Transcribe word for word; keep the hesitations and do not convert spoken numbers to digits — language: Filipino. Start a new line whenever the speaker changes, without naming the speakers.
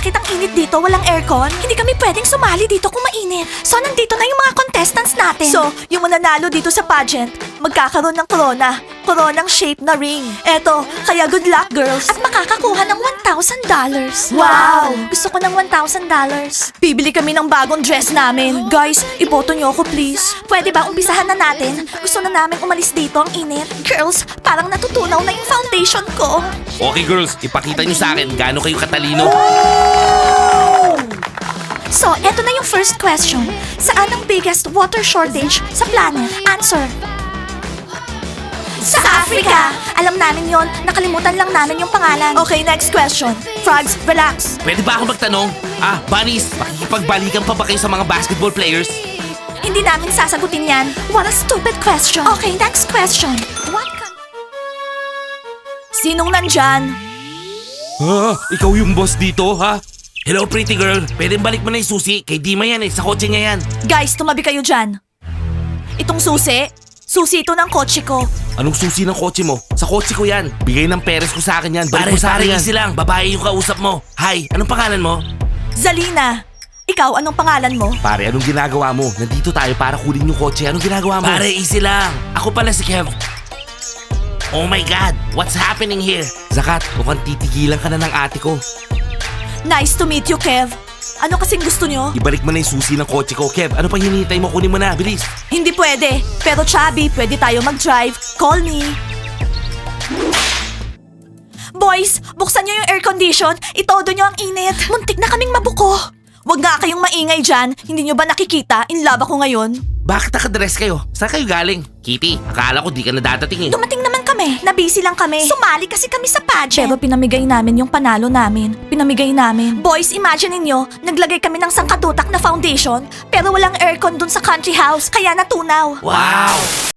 Bakit ang init dito? Walang aircon? Hindi kami pwedeng sumali dito kung mainit. So, nandito na yung mga contestants natin. So, yung mananalo dito sa pageant, magkakaroon ng corona. Coronang shape na ring. Eto, kaya good luck, girls. At makakakuha ng one thousand dollars. Wow! Gusto ko ng one thousand dollars. Bibili kami ng bagong dress namin. Guys, iboto niyo ako, please. Pwede ba umpisahan na natin? Gusto na namin umalis dito ang init. Girls, parang natutunaw na yung foundation ko.
Okay girls, ipakita nyo sa akin gaano kayo katalino.
So, eto na yung first question. Saan ang biggest water shortage sa planet? Answer. Sa Africa! Alam namin yon. Nakalimutan lang namin yung pangalan. Okay, next question. Frogs, relax.
Pwede ba ako magtanong? Ah, bunnies, makikipagbalikan pa ba kayo sa mga basketball players?
Hindi namin sasagutin yan. What a stupid question. Okay, next question. What ka- Sinong nandyan?
Ah, ikaw yung boss dito, ha? Hello, pretty girl. Pwede balik mo na yung susi. Kay Dima yan eh. Sa kotse niya yan.
Guys, tumabi kayo dyan. Itong susi, susi ito ng kotse ko.
Anong susi ng kotse mo? Sa kotse ko yan. Bigay ng peres ko sa akin yan. Balik
Pare,
mo sa
pare,
akin yan.
easy lang. Babae yung kausap mo.
Hi, anong pangalan mo?
Zalina. Ikaw, anong pangalan mo?
Pare, anong ginagawa mo? Nandito tayo para kunin yung kotse. Anong ginagawa mo?
Pare, easy lang.
Ako pala si Kev. Oh my God, what's happening here? Zakat, mukhang titigilan ka na ng ate ko.
Nice to meet you, Kev. Ano kasing gusto nyo?
Ibalik mo na yung susi ng kotse ko. Kev, ano pang hinihintay mo? Kunin mo na, bilis.
Hindi pwede. Pero Chubby, pwede tayo mag-drive. Call me. Boys, buksan nyo yung air condition. Itodo nyo ang init. Muntik na kaming mabuko. Huwag nga kayong maingay dyan. Hindi nyo ba nakikita? In love ako ngayon.
Bakit nakadress kayo? Saan kayo galing? Kitty, akala ko di ka na dadating eh.
Dumating naman kami. Nabisi lang kami. Sumali kasi kami sa pageant. Pero pinamigay namin yung panalo namin. Pinamigay namin. Boys, imagine ninyo, naglagay kami ng sangkatutak na foundation, pero walang aircon dun sa country house, kaya natunaw.
Wow!